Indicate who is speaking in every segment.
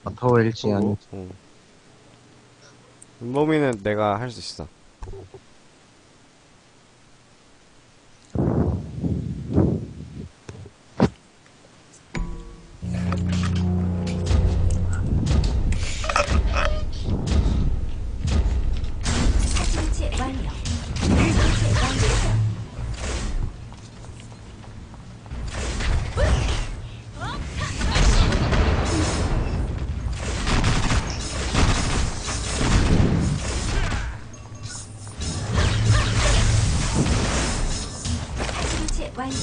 Speaker 1: 마타워일지 아니.
Speaker 2: 은범이는 내가 할 수 있어.
Speaker 3: 설치 완료. 설치 완료. 설치 완료.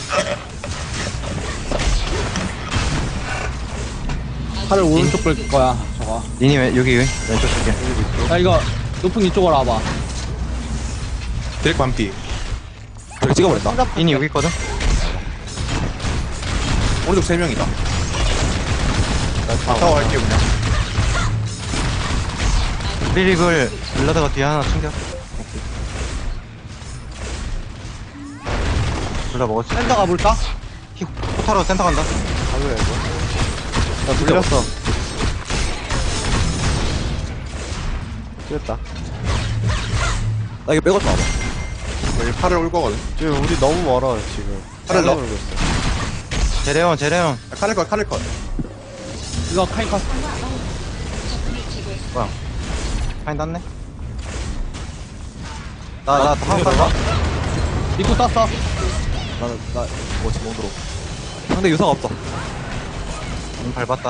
Speaker 4: 팔을 오른쪽 뺄 거야, 저거.
Speaker 1: 니니 왜, 여기 왼쪽 줄게.
Speaker 4: 야, 이거, 높은 이쪽으로 와봐.
Speaker 5: 드랙 반피. 드랙 찍어버렸다.
Speaker 1: 니니 여기 있거든?
Speaker 5: 오른쪽 3명이다. 마타워 할게 그냥.
Speaker 1: 리릭을 블라드가 뒤에 하나 챙겨. 둘 다 먹었지.
Speaker 4: 센터 가볼까?
Speaker 1: 포타로 센터 간다.
Speaker 2: 가져야 돼. 나 돌렸어. 됐다.
Speaker 5: 나 이거 빼고 와봐. 여기 팔을 올 거거든.
Speaker 2: 지금 우리 너무 멀어, 지금.
Speaker 5: 팔을 넣어?
Speaker 2: 울고 있어.
Speaker 1: 제레온.
Speaker 5: 야, 칼을 컷.
Speaker 4: 이거 카이커.
Speaker 1: 파인 땄네. 나 한번 봐.
Speaker 4: 입구 땄어.
Speaker 5: 뭐 지금 들어. 상대 유사가 없어.
Speaker 1: 밟았다.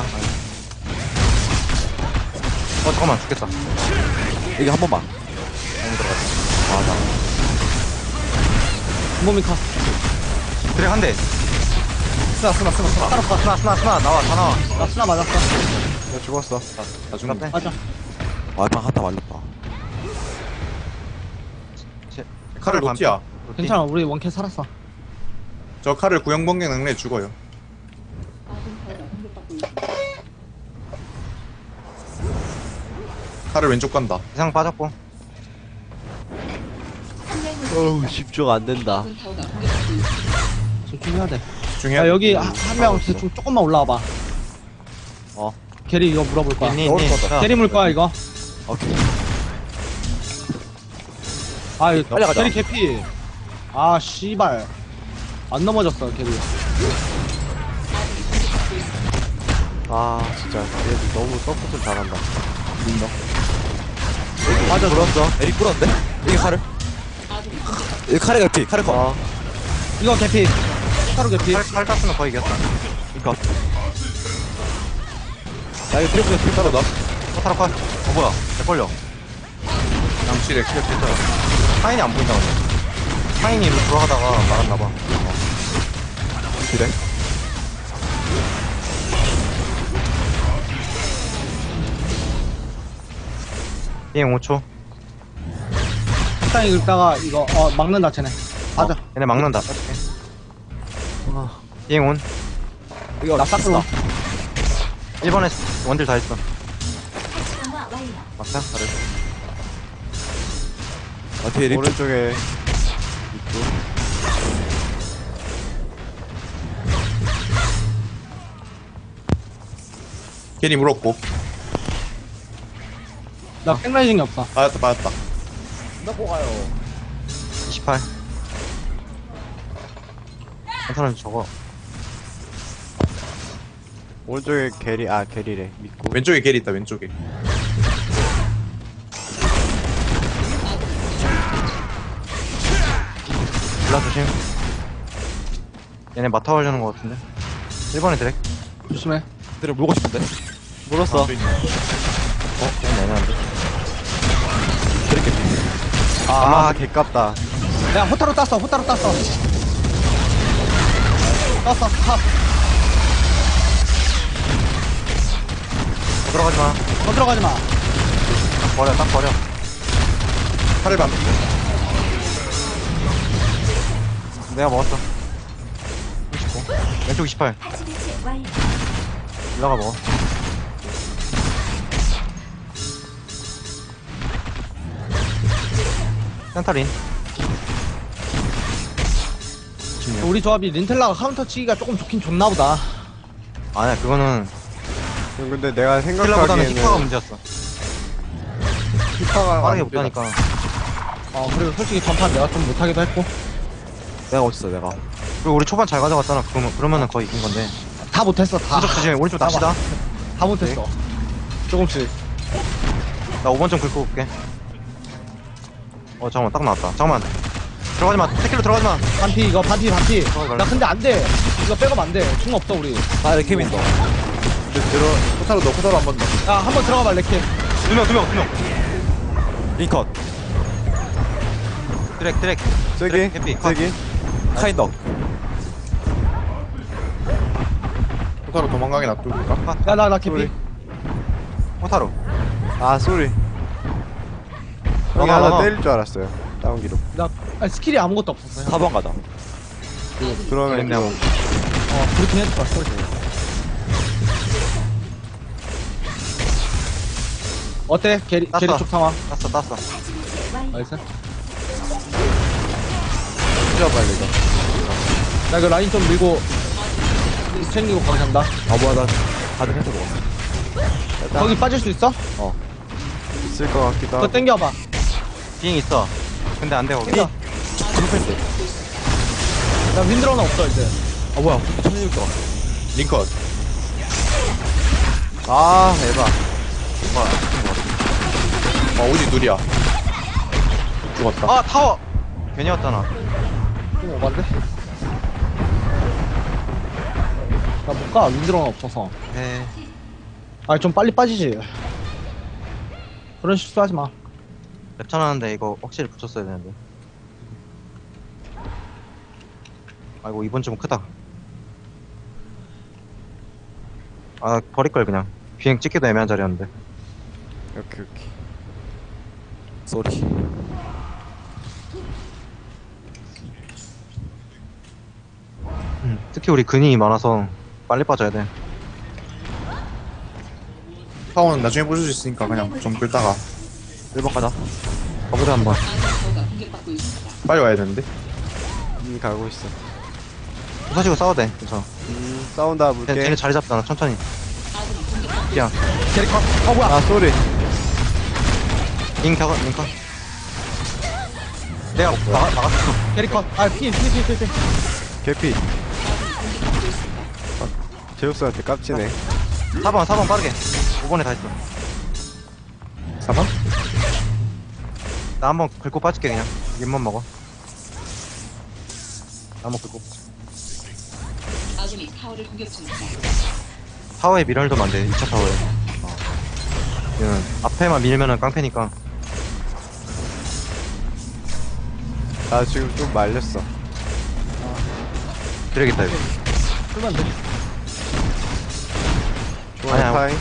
Speaker 1: 잠깐만 죽겠다.
Speaker 5: 여기 한 번만.
Speaker 4: 몸이 카.
Speaker 1: 드랙 한 대.
Speaker 4: 스나.
Speaker 1: 스나 나와 다 나와.
Speaker 4: 나 스나 맞았어.
Speaker 2: 나 죽었어.
Speaker 5: 나 죽는
Speaker 1: 빼.
Speaker 4: 맞아.
Speaker 5: 와이파 한타 말렸다.
Speaker 1: 칼을
Speaker 5: 로티야.
Speaker 4: 괜찮아, 우리 원캐 살았어.
Speaker 5: 저 칼을 구형번개 능력에 죽어요. 칼을 왼쪽 간다.
Speaker 1: 이상 빠졌고.
Speaker 2: 어우, 집중 안 된다.
Speaker 4: 집중해야 돼.
Speaker 5: 중요한.
Speaker 4: 야, 여기 한 명 대충 조금만 올라와봐. 게리 이거 물어볼 거야.
Speaker 1: 니.
Speaker 4: 게리 물 거야, 이거.
Speaker 5: 오케이.
Speaker 4: 아, 이거
Speaker 5: 빨리 가자.
Speaker 4: 게리 개피. 아, 씨발. 안 넘어졌어, 게리.
Speaker 2: 아, 진짜. 얘들 너무 서포트 잘한다.
Speaker 4: 맞아,
Speaker 5: 불었어. 에릭 불었는데? 이게 칼을? 이 칼에 개피. 칼에 컷.
Speaker 4: 이거 개피. 타로 개피.
Speaker 1: 칼 땄으면 거의 이겼다.
Speaker 5: 이거. 나 이거 트리플에 필 따로 나.
Speaker 1: 포타로 컷. 뭐야. 개벌려.
Speaker 5: 양실에 킬 필터야.
Speaker 1: 파인이 안 보인다 근데. 파인이 일로 돌아가다가 말았나봐.
Speaker 5: 그래?
Speaker 1: 비행 5초.
Speaker 4: 적당히 긁다가 이거, 막는다, 쟤네. 맞아.
Speaker 1: 얘네 막는다. 비행 온.
Speaker 5: 이거
Speaker 4: 나 싹스로.
Speaker 1: 1번에 원딜 다 했어.
Speaker 3: 활성화 완료.
Speaker 1: 막자. 잘해.
Speaker 5: 아 뒤에 립.
Speaker 2: 오른쪽에
Speaker 5: 괜히 물었고.
Speaker 4: 나 백라이징이 없어.
Speaker 5: 맞았다.
Speaker 1: 28. 한타는 저거.
Speaker 2: 오른쪽에 게리래. 믿고.
Speaker 5: 왼쪽에 겔 있다. 왼쪽에.
Speaker 1: 블라 조심. 얘네 마타 하려는 거 같은데. 1번에 드랙.
Speaker 4: 조심해.
Speaker 5: 들을 물고 싶은데.
Speaker 2: 물었어.
Speaker 1: 좀 애매한데.
Speaker 5: 드랙 개피.
Speaker 2: 아, 개깝다.
Speaker 4: 야, 호타로 땄어. 땄어. 탑.
Speaker 1: 들어가지 마.
Speaker 4: 들어가지 마.
Speaker 1: 딱 버려.
Speaker 5: 칼을 반.
Speaker 1: 내가 먹었어. 29. 왼쪽 28.
Speaker 3: 설치 완료.
Speaker 1: 올라가 먹어. 센터린.
Speaker 4: 우리 조합이 린텔라가 카운터 치기가 조금 좋긴 좋나 보다.
Speaker 1: 아니야, 그거는
Speaker 5: 근데 내가
Speaker 1: 킬러보다는
Speaker 5: 생각하기에는
Speaker 1: 히퍼가 문제였어.
Speaker 5: 히퍼가
Speaker 1: 빠르게
Speaker 5: 안 되나?
Speaker 1: 못하니까.
Speaker 4: 그리고 솔직히 전판 내가 좀 못하기도 했고.
Speaker 2: 내가 어딨어 내가.
Speaker 1: 그리고 우리 초반 잘 가져갔잖아. 그러면은 거의 이긴 건데.
Speaker 4: 다 못했어, 다.
Speaker 1: 오른쪽 조심해. 오른쪽 납시다.
Speaker 4: 다 못했어. 조금씩.
Speaker 1: 나 5번 좀 긁고 올게. 잠깐만 딱 나왔다. 잠깐만. 들어가지마. 태클로 들어가지마.
Speaker 4: 반피, 이거 반피.
Speaker 1: 말라.
Speaker 4: 나 근데 안 돼. 이거 백업 안 돼. 충 없어, 우리.
Speaker 2: 아 이렇게 민다.
Speaker 5: 포타로 넣어, 포타로 한 번 넣어.
Speaker 4: 야, 한번 들어가 봐, 레키.
Speaker 1: 두 명.
Speaker 2: 링컷.
Speaker 1: 드랙.
Speaker 5: 세기,
Speaker 1: 해피.
Speaker 5: 세기.
Speaker 2: 카인덕.
Speaker 5: 포타로 도망가게 놔둘까?
Speaker 4: 야, 나 개피.
Speaker 5: 소리.
Speaker 1: 호타로.
Speaker 5: 아, 쏘리. 형이
Speaker 1: 나가.
Speaker 5: 하나 때릴 줄 알았어요. 다운 기록.
Speaker 4: 스킬이 아무것도 없었어요.
Speaker 2: 4번 가자.
Speaker 5: 그러면
Speaker 1: 그랬냐고.
Speaker 4: 그렇긴 했을 거야, 솔직히. 어때? 게리
Speaker 1: 땄어.
Speaker 4: 쪽 상황.
Speaker 1: 땄어.
Speaker 3: 사진 교체 완료.
Speaker 4: 나이스.
Speaker 5: 진짜 빨리 이거.
Speaker 4: 나 이거 라인 좀 밀고 챙기고 거기 간다.
Speaker 2: 뭐야 나 다들 해서 먹었어.
Speaker 4: 거기 빠질 수 있어?
Speaker 5: 있을 것 같기도
Speaker 4: 그거
Speaker 5: 하고.
Speaker 4: 땡겨봐.
Speaker 1: 비행 있어. 근데 안 돼, 거기.
Speaker 4: 땡겨. 나 윈드러는 없어 이제.
Speaker 2: 뭐야 1600 왔어.
Speaker 5: 링컷. 아, 에바. 우지 둘이야. 죽었다.
Speaker 1: 아, 타워! 괜히 왔잖아.
Speaker 4: 좀 오반데? 나 못 가. 윈드러는 없어서.
Speaker 1: 네.
Speaker 4: 아니 좀 빨리 빠지지. 그런 실수하지 마.
Speaker 1: 랩천 하는데 이거 확실히 붙였어야 되는데. 아이고, 이번 좀 크다. 아, 버릴걸, 그냥. 비행 찍기도 애매한 자리였는데.
Speaker 5: 오케이.
Speaker 2: 쏘리.
Speaker 1: 특히 우리 근이 많아서 빨리 빠져야 돼.
Speaker 5: 타워는 나중에 보실 수 있으니까 그냥 좀 끌다가
Speaker 2: 1번 가자.
Speaker 1: 거기다 한번.
Speaker 5: 빨리 와야 되는데. 가고 있어.
Speaker 1: 부서지고 싸워도 돼. 괜찮아.
Speaker 5: 싸운다
Speaker 1: 쟤네
Speaker 5: 물게.
Speaker 1: 자리 잡잖아, 천천히. 그냥.
Speaker 4: 캐릭터. 뭐야?
Speaker 5: 아, 쏘리.
Speaker 1: 링 내가 막았어.
Speaker 4: 캐릭터. 피.
Speaker 5: 개피. 제우스한테 깝치네.
Speaker 1: 4번 빠르게. 5번에 다 있어.
Speaker 5: 4번?
Speaker 1: 나 한번 긁고 빠질게, 그냥. 립만 먹어. 나 한번 긁고.
Speaker 6: 아군이 타워를 공격 중입니다.
Speaker 1: 타워에 밀어넣으면 안 돼, 2차 타워에. 얘는 앞에만 밀면은 깡패니까.
Speaker 5: 나 지금 좀 말렸어.
Speaker 1: 그래야겠다, 이거.
Speaker 4: 쓰면 돼.
Speaker 5: 중앙에
Speaker 1: 아니야.
Speaker 5: 타임.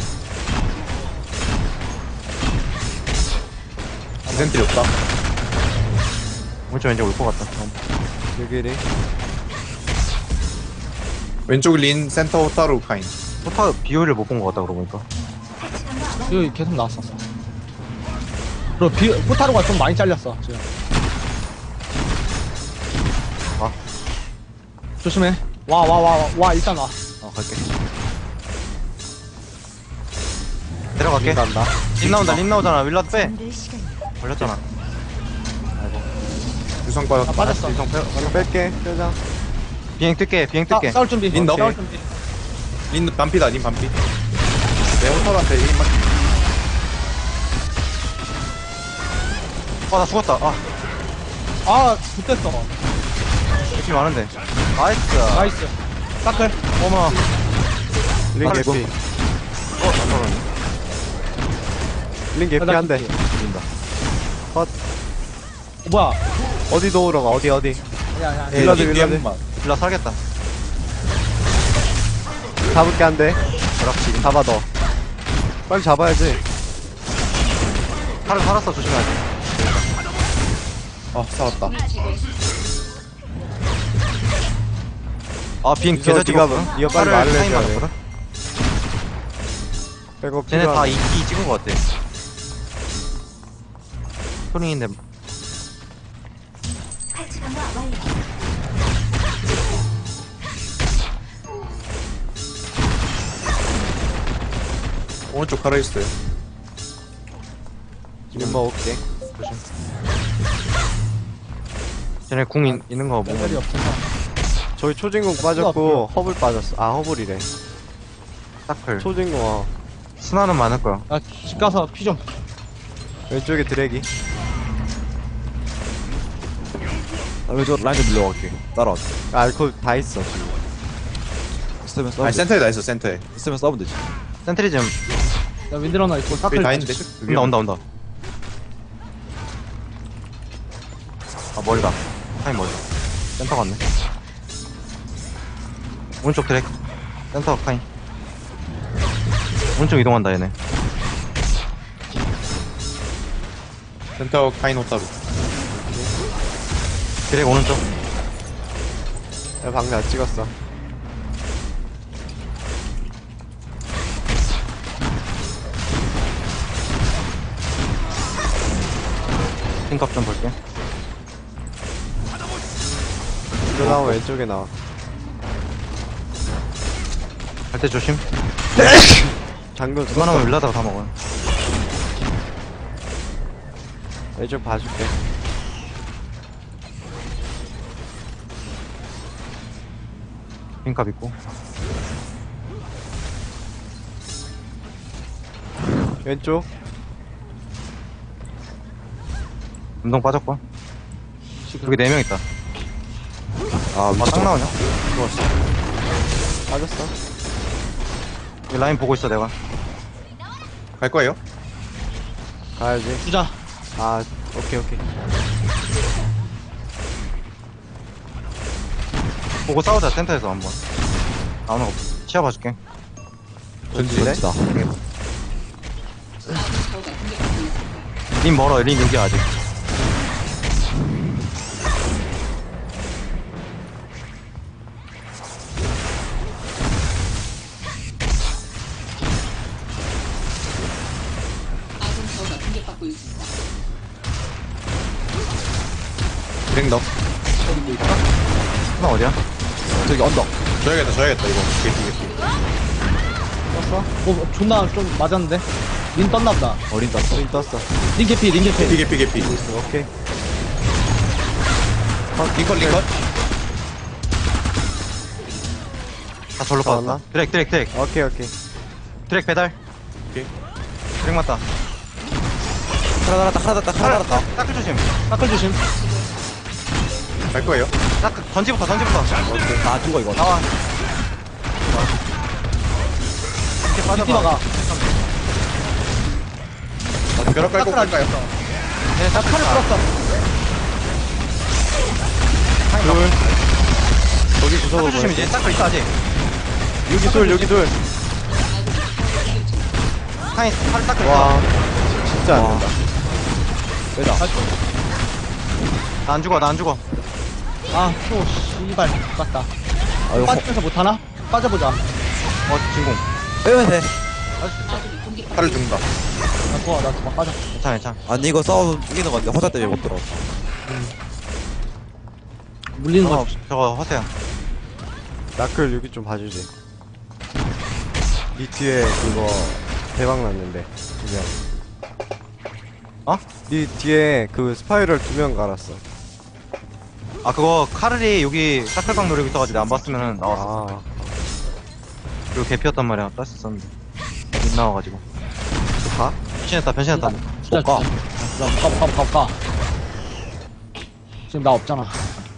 Speaker 5: 디센트리 없다.
Speaker 1: 오른쪽 왠지 올 것 같다.
Speaker 5: 여기리. 왼쪽 린 센터 호타루 카인.
Speaker 1: 포타 비율을 못 본 것 같다, 그러고 보니까.
Speaker 4: 이거 계속 나왔었어. 그리고 포타로가 좀 많이 잘렸어 지금. 조심해. 와 일단 와.
Speaker 2: 갈게.
Speaker 1: 내려갈게.
Speaker 5: 간다.
Speaker 1: 림 나오잖아. 윌라드 빼.
Speaker 3: 잠들 시간이다.
Speaker 1: 걸렸잖아.
Speaker 5: 유성 빠졌다.
Speaker 4: 빠졌어.
Speaker 1: 일성 빼.
Speaker 5: 이거 뺄게. 빼자.
Speaker 1: 비행 뜰게.
Speaker 4: 싸울 준비.
Speaker 5: 린 넣어.
Speaker 4: 싸울 준비.
Speaker 5: 린 반피다. 린 반피. 내 호타루한테 1인만.
Speaker 1: 나 죽었다.
Speaker 4: 붙었어.
Speaker 1: 느낌 많은데. 나이스.
Speaker 4: 나이스. 사클.
Speaker 1: 어머.
Speaker 5: 린
Speaker 1: 아이고.
Speaker 5: 개피.
Speaker 1: 안 떨어졌네.
Speaker 5: 린 개피 한 대.
Speaker 2: 죽인다.
Speaker 4: 뭐야?
Speaker 5: 어디 도우러 가? 어디?
Speaker 4: 야.
Speaker 5: 윌라드.
Speaker 1: 윌라 살겠다.
Speaker 5: 잡을게 한 대.
Speaker 1: 그렇지.
Speaker 5: 잡아 너. 빨리 잡아야지.
Speaker 1: 살았어. 조심해야 돼.
Speaker 5: 싸웠다.
Speaker 1: 비행
Speaker 5: 유서,
Speaker 1: 계좌
Speaker 5: 네가
Speaker 1: 찍었어.
Speaker 5: 뭐- 네가 빨리 말을 해줘야 돼. 백업
Speaker 1: 쟤네 다
Speaker 5: 필요하네.
Speaker 1: 2 찍은 것 같아. 소링인데
Speaker 3: 파츠 강화 완료.
Speaker 5: 오른쪽 팔아 있어요.
Speaker 2: 지금 먹을게.
Speaker 1: 쟤네 궁 있는 거
Speaker 4: 레벨이
Speaker 1: 보면
Speaker 4: 없어서.
Speaker 2: 저희 초진공 빠졌고 허블 빠졌어. 아 허블이래.
Speaker 1: 사클.
Speaker 2: 초진공
Speaker 1: 스나는 많을 거야.
Speaker 4: 나 집 가서 피 좀.
Speaker 2: 왼쪽에 드래기.
Speaker 5: 왼쪽 라인 좀 밀려갈게. 따라와.
Speaker 2: 알콜 다 있어 지금.
Speaker 5: 있으면 싸우면 아니 센터에 다 있어 센터에. 있으면 싸우면 되지.
Speaker 1: 센트리즘.
Speaker 4: 야, 윈들 하나 있고,
Speaker 5: 여기
Speaker 4: 사클.
Speaker 5: 다 있는데.
Speaker 1: 온다. 아, 멀다. 타임 멀다. 센터 갔네. 오른쪽 드랙. 센터 카인. 오른쪽 이동한다, 얘네.
Speaker 5: 센터 카인 호타루.
Speaker 1: 드랙 오른쪽.
Speaker 2: 야 방금 안 찍었어.
Speaker 1: 핑값 좀 볼게.
Speaker 2: 이거 나오면 왼쪽에 나와.
Speaker 1: 갈 때 조심.
Speaker 2: 장군
Speaker 1: 그만하면 일라다가 다 먹어요.
Speaker 2: 왼쪽 봐줄게.
Speaker 1: 핑값 있고.
Speaker 2: 왼쪽.
Speaker 1: 운동 빠졌고. 여기 4명 있다.
Speaker 5: 아
Speaker 1: 딱 나오냐?
Speaker 2: 빠졌어.
Speaker 1: 여기 라인 보고 있어, 내가.
Speaker 5: 갈 거예요?
Speaker 2: 가야지.
Speaker 4: 주자.
Speaker 2: 아 오케이.
Speaker 1: 보고 싸우자, 센터에서 한번. 나오는 거 치아 봐줄게.
Speaker 5: 전지네.
Speaker 6: 아군 타워가 공격받고 있습니다.
Speaker 1: 린 멀어, 린 여기 아직.
Speaker 6: 아군 타워가 공격받고 있습니다.
Speaker 5: 드랙 너.
Speaker 1: 하나 어디야?
Speaker 5: 저기 언덕. 줘야겠다 이거. 개피.
Speaker 4: 떴어? 존나 좀 맞았는데? 린 떴나보다.
Speaker 5: 어린 땄어.
Speaker 2: 링 떴어.
Speaker 4: 린 개피.
Speaker 5: 개피.
Speaker 2: 오케이.
Speaker 5: 리컷.
Speaker 1: 다 절로
Speaker 2: 나왔나?
Speaker 1: 빠졌다. 드랙.
Speaker 2: 오케이.
Speaker 1: 드랙 배달.
Speaker 5: 오케이.
Speaker 1: 드랙 맞다.
Speaker 5: 하나 달았다.
Speaker 1: 따클 조심.
Speaker 4: 사클 조심.
Speaker 5: 갈 거예요?
Speaker 1: 따클, 던지부터.
Speaker 5: 다 죽어 이거.
Speaker 1: 나와. 이렇게
Speaker 4: 뒷
Speaker 1: 빠져봐.
Speaker 4: 막아.
Speaker 5: 벼락 깔고 갈까요?
Speaker 1: 얘네 따클
Speaker 4: 칼을 풀었어.
Speaker 2: 저기 구석으로
Speaker 1: 따클 조심, 이제 따클 있어, 아직.
Speaker 2: 여기 둘.
Speaker 1: 카인, 팔 따클 있어.
Speaker 2: 와 진짜 안 된다.
Speaker 1: 나 안 죽어.
Speaker 4: 아, 또, 씨발. 갔다. 빠지면서 못하나? 빠져보자.
Speaker 1: 진공.
Speaker 5: 빼면 돼.
Speaker 6: 아군이 공격받고
Speaker 5: 팔을 죽는다.
Speaker 4: 나 도와, 빠져.
Speaker 1: 괜찮아.
Speaker 5: 아니 이거 싸워서 이기는 건데 호자 때문에 못 들어.
Speaker 4: 물리는 거.
Speaker 1: 저거 허세야.
Speaker 2: 나클 여기 좀 봐주지. 니 뒤에 그거 대박 났는데 2명.
Speaker 1: 어?
Speaker 2: 니 뒤에 그 스파이럴 2명 갈았어.
Speaker 1: 아, 그거 카를이 여기 따클방 노리고 있어가지고 내가 안 봤으면은 나왔어.
Speaker 2: 아
Speaker 1: 그리고 개피였단 말이야. 땄었는데 못 나와가지고.
Speaker 2: 가?
Speaker 1: 변신했다.
Speaker 4: 진짜.
Speaker 1: 가.
Speaker 4: 못 가. 지금 나 없잖아.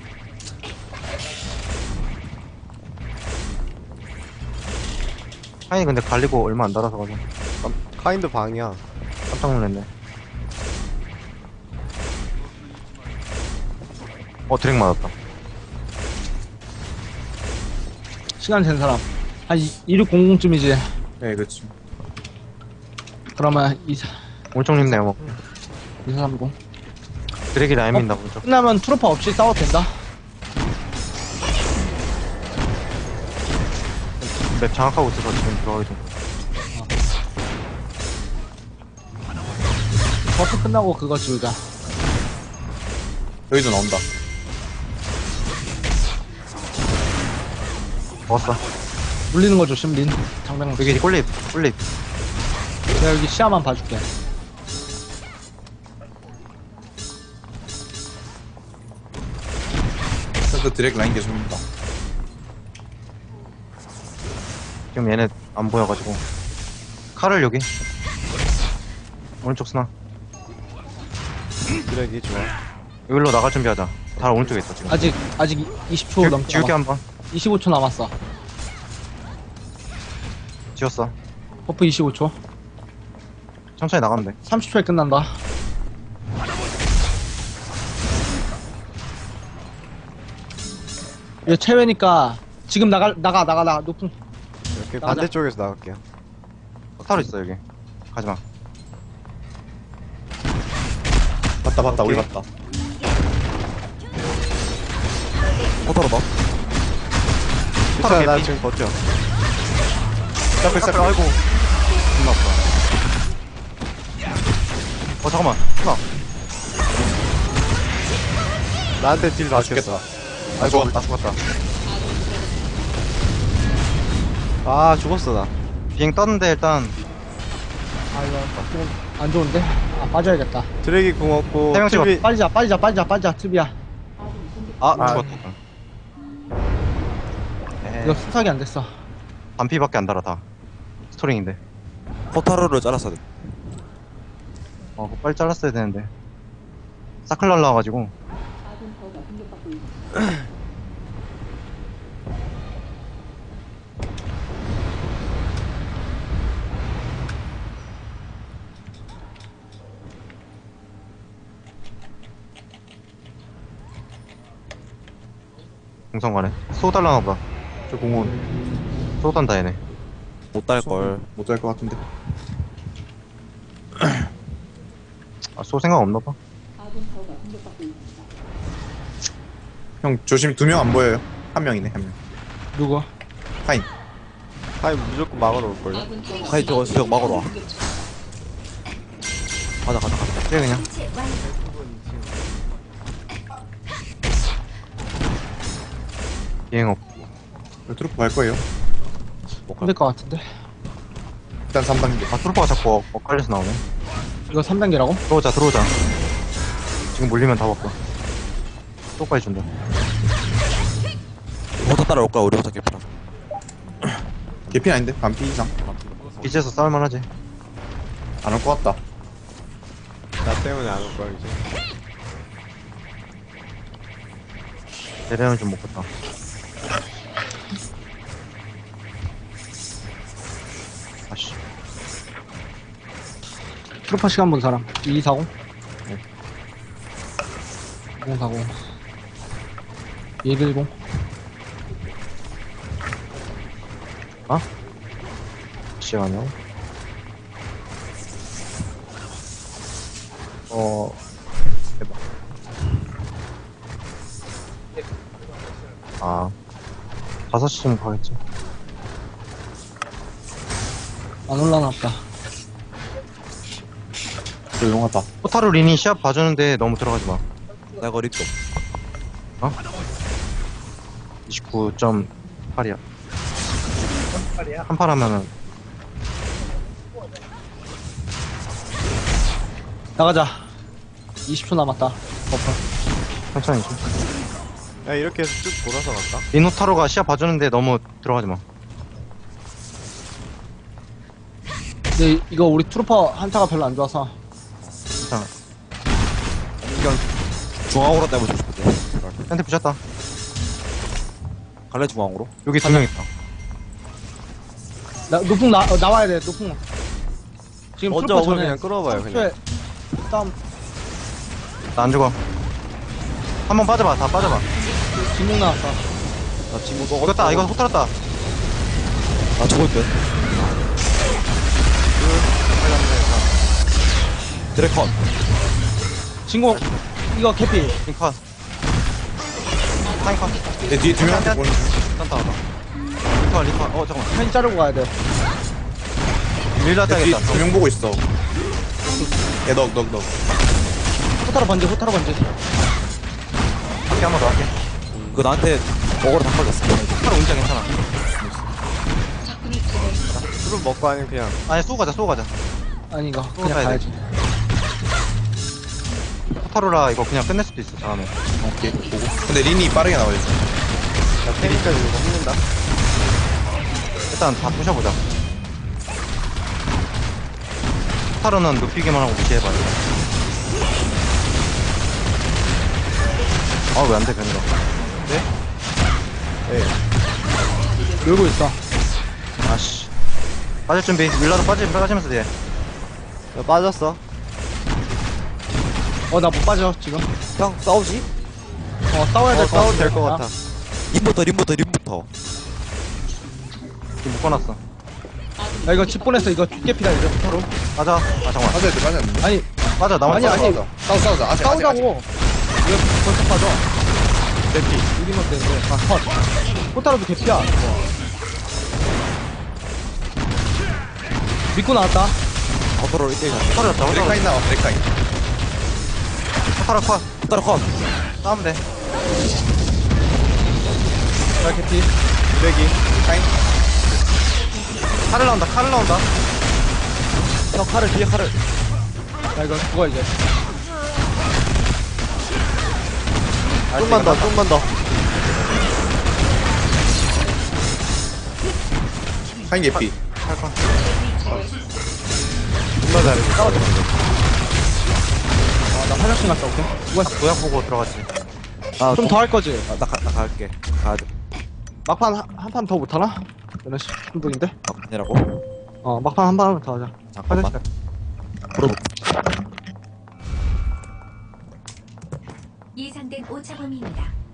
Speaker 1: 카인이 근데 갈리고 얼마 안 달아서가지고
Speaker 2: 카인드 방이야.
Speaker 1: 깜짝 놀랐네. 드랙 맞았다.
Speaker 4: 시간 된 사람. 한 2600쯤이지.
Speaker 5: 네 그렇지.
Speaker 4: 그러면
Speaker 1: 올청님 내가 먹고.
Speaker 4: 2430.
Speaker 1: 드랙이 라인 민다, 오른쪽.
Speaker 4: 끝나면 트로퍼 없이 싸워도 된다.
Speaker 1: 맵 장악하고 있어서 지금 들어가기 좀.
Speaker 4: 버프 끝나고 그거 지우자.
Speaker 5: 여기도 나온다.
Speaker 1: 먹었어.
Speaker 4: 물리는 거 조심, 린. 장병.
Speaker 1: 여기 꿀립.
Speaker 4: 내가 여기 시야만 봐줄게.
Speaker 5: 센터 드랙 라인 계속 옵니다.
Speaker 1: 지금 얘네 안 보여가지고. 칼을 여기. 오른쪽 스나.
Speaker 2: 드랙이 좋아.
Speaker 1: 여기로 나갈 준비하자. 다 오른쪽에 있어, 지금.
Speaker 4: 아직 20초 넘게
Speaker 1: 지울게
Speaker 4: 남았어.
Speaker 1: 한 번.
Speaker 4: 25초 남았어.
Speaker 1: 지웠어.
Speaker 4: 버프 25초.
Speaker 1: 천천히 나가면 돼.
Speaker 4: 30초에 끝난다. 이거 체외니까 지금 나가 높은.
Speaker 2: 이렇게
Speaker 4: 나가자.
Speaker 2: 반대쪽에서 나갈게요.
Speaker 1: 타로 있어, 여기. 가지마.
Speaker 5: 봤다, 우리
Speaker 1: 오케이.
Speaker 5: 봤다.
Speaker 1: 포터로 봐.
Speaker 2: 괜찮아, 나 지금 버텨.
Speaker 5: 싹을 싹을.
Speaker 1: 아이고. 존나 아파. 잠깐만. 스나.
Speaker 2: 나한테 딜
Speaker 5: 아, 죽겠다.
Speaker 2: 맞겠어.
Speaker 5: 아, 죽었다.
Speaker 1: 나 죽었다.
Speaker 2: 아, 죽었어, 나.
Speaker 1: 비행 떴는데, 일단.
Speaker 4: 아 이거 좀 안 좋은데. 아 빠져야겠다.
Speaker 2: 드랙이 궁 없고.
Speaker 1: 세명 찍어.
Speaker 2: 트비-
Speaker 4: 빠지자 트비야.
Speaker 1: 아,
Speaker 5: 아.
Speaker 1: 죽었다.
Speaker 4: 이거 수삭이 안 됐어.
Speaker 1: 반피밖에 안 달아, 다. 스토링인데.
Speaker 5: 포타로를 잘랐어야 돼.
Speaker 1: 그거 빨리 잘랐어야 되는데. 사클 날라와가지고.
Speaker 6: 아군 타워가 공격받고 있습니다.
Speaker 1: 공성 가네. 쏘 달라나 보다.
Speaker 5: 저 공원
Speaker 1: 쏘 단다, 얘네.
Speaker 5: 못 딸걸. 못 딸 것 같은데.
Speaker 1: 아, 쏘 생각 없나 봐.
Speaker 6: 아군 타워가 공격받고 있습니다.
Speaker 5: 형 조심, 2명 안 보여요. 한 명이네, 한 명.
Speaker 4: 누구?
Speaker 5: 파인.
Speaker 2: 아니, 무조건 막으러 올걸요.
Speaker 6: 아군 타워가
Speaker 5: 하이, 저거 수영 막으러 와.
Speaker 6: 공격 중.
Speaker 5: 가자.
Speaker 1: 그래, 그냥.
Speaker 3: 설치 완료.
Speaker 1: 비행 없.
Speaker 5: 트루프 갈 거예요.
Speaker 4: 힘들 것 같은데.
Speaker 5: 일단 3단계.
Speaker 1: 아, 트루퍼가 자꾸 엇갈려서 나오네.
Speaker 4: 이거 3단계라고?
Speaker 1: 들어오자. 지금 물리면 다 먹고. 쏘까지 준다.
Speaker 7: 버터 따라올까 우리 버터 개피랑.
Speaker 5: 개피 아닌데? 반피 이상.
Speaker 1: 빛에서 싸울만 하지.
Speaker 5: 안 올 것 같다.
Speaker 2: 나 때문에 안 올 거야, 이제.
Speaker 1: 대량을 좀 먹겠다. 아씨.
Speaker 4: 트루퍼 시간 본 사람. 2240.
Speaker 1: 네.
Speaker 4: 2040. 110.
Speaker 1: 시간이요? 대박. 아, 5시쯤 가겠지.
Speaker 4: 안 올라나 보다.
Speaker 5: 조용하다.
Speaker 1: 포타로 리니 시합 봐주는데 너무 들어가지 마.
Speaker 7: 나 거리 또.
Speaker 1: 29.8이야. 한팔 하면은
Speaker 4: 나가자. 20초 남았다. 버프.
Speaker 1: 천천히 좀.
Speaker 2: 야, 이렇게 해서 쭉 돌아서 갈까?
Speaker 1: 리노타로가 시합 봐주는데 너무 들어가지 마.
Speaker 4: 근데 이거 우리 트루퍼 한타가 별로 안 좋아서.
Speaker 1: 괜찮아.
Speaker 7: 이건 중앙으로 때문에 주고 싶은데.
Speaker 1: 한테 부셨다.
Speaker 7: 갈래 중앙으로?
Speaker 1: 여기 2명 있다.
Speaker 4: 노풍 나와야 돼. 노풍. 지금
Speaker 2: 먼저
Speaker 4: 트루퍼
Speaker 2: 오면
Speaker 4: 전에
Speaker 2: 그냥 끌어봐요, 그냥.
Speaker 4: 30초에 다음
Speaker 1: 나 안 죽어. 한 번 빠져봐. 다 빠져봐.
Speaker 4: 진목 나왔어.
Speaker 7: 나 친구
Speaker 1: 이겼다. 이거 호탈았다.
Speaker 7: 나 죽을 듯. 드래컨.
Speaker 4: 진공 이거 개피.
Speaker 1: 링컷. 타임컷.
Speaker 5: 내 뒤에 2명한테 보는 중.
Speaker 1: 딴따하다. 리컷. 잠깐만.
Speaker 4: 펜 자르고 가야 돼.
Speaker 1: 릴라
Speaker 5: 내 뒤에
Speaker 1: 따야겠다.
Speaker 5: 2명 보고 있어. 야, 너.
Speaker 4: 호타로 번지.
Speaker 1: 밖에 한 번 더 할게.
Speaker 7: 그거 나한테 먹으러 다 걸렸어.
Speaker 1: 호타로 운전 괜찮아.
Speaker 6: 적군을 제거했습니다.
Speaker 2: 술은 먹고 아니면 그냥.
Speaker 1: 아니, 쏘고 가자.
Speaker 4: 아니 이거
Speaker 1: 또
Speaker 4: 그냥
Speaker 1: 가야
Speaker 4: 가야지.
Speaker 1: 포타로라 이거 그냥 끝낼 수도 있어 다음에.
Speaker 5: 오케이 보고 근데 린이 빠르게 나와야지
Speaker 2: 나 테니까 이거 먹는다.
Speaker 1: 일단 다 부셔보자. 포타로는 눕히기만 하고 무시해봐요. 아 왜 안돼 변이가.
Speaker 4: 놀고 있어.
Speaker 1: 아씨. 빠질 준비. 윌라도 빠지면서 뒤에.
Speaker 2: 야, 빠졌어.
Speaker 4: 나 못 빠져 지금.
Speaker 7: 형 싸우지?
Speaker 4: 싸워야 될 것 같아.
Speaker 2: 싸워도 될 것 같아.
Speaker 7: 림부터.
Speaker 1: 지금 묶어놨어.
Speaker 4: 야 이거 집 보냈어. 이거 깨피다 이제 포타로.
Speaker 1: 빠져. 아 잠깐만.
Speaker 5: 빠져야 돼 빠져야 돼
Speaker 4: 아니
Speaker 1: 빠져. 나만
Speaker 4: 아니,
Speaker 1: 빠져.
Speaker 4: 아니.
Speaker 5: 싸우자 아직
Speaker 4: 싸우자고. 왜 벌써 빠져? 개피. 우리만 되는데. 컷. 포타로도 개피야. 믿고 나왔다.
Speaker 7: 버터로 1대1 가자.
Speaker 1: 포타로였다.
Speaker 5: 브레카인 나와 브레카인
Speaker 1: 포타로 컷.
Speaker 7: 따라 컷.
Speaker 1: 싸우면 돼.
Speaker 4: 자 개피.
Speaker 5: 브레기 카인
Speaker 1: 칼을 나온다.
Speaker 7: 형 칼을 뒤에 칼을.
Speaker 4: 야 이거 죽어 이제.
Speaker 2: 좀만 더.
Speaker 5: 카인 개피
Speaker 2: 존나 잘해.
Speaker 4: 나 화장실 갔다 올게.
Speaker 1: 도약 보고 들어갔지.
Speaker 4: 좀 더 할 거지.
Speaker 7: 나 갈게. 가야 돼.
Speaker 4: 막판 한 판 더 못하나? 이런 식 한분인데?
Speaker 7: 아니라고?
Speaker 4: 막판 한 판 더 하자.
Speaker 7: 잠깐만.
Speaker 4: 화장실
Speaker 3: 예상된 오차범위입니다.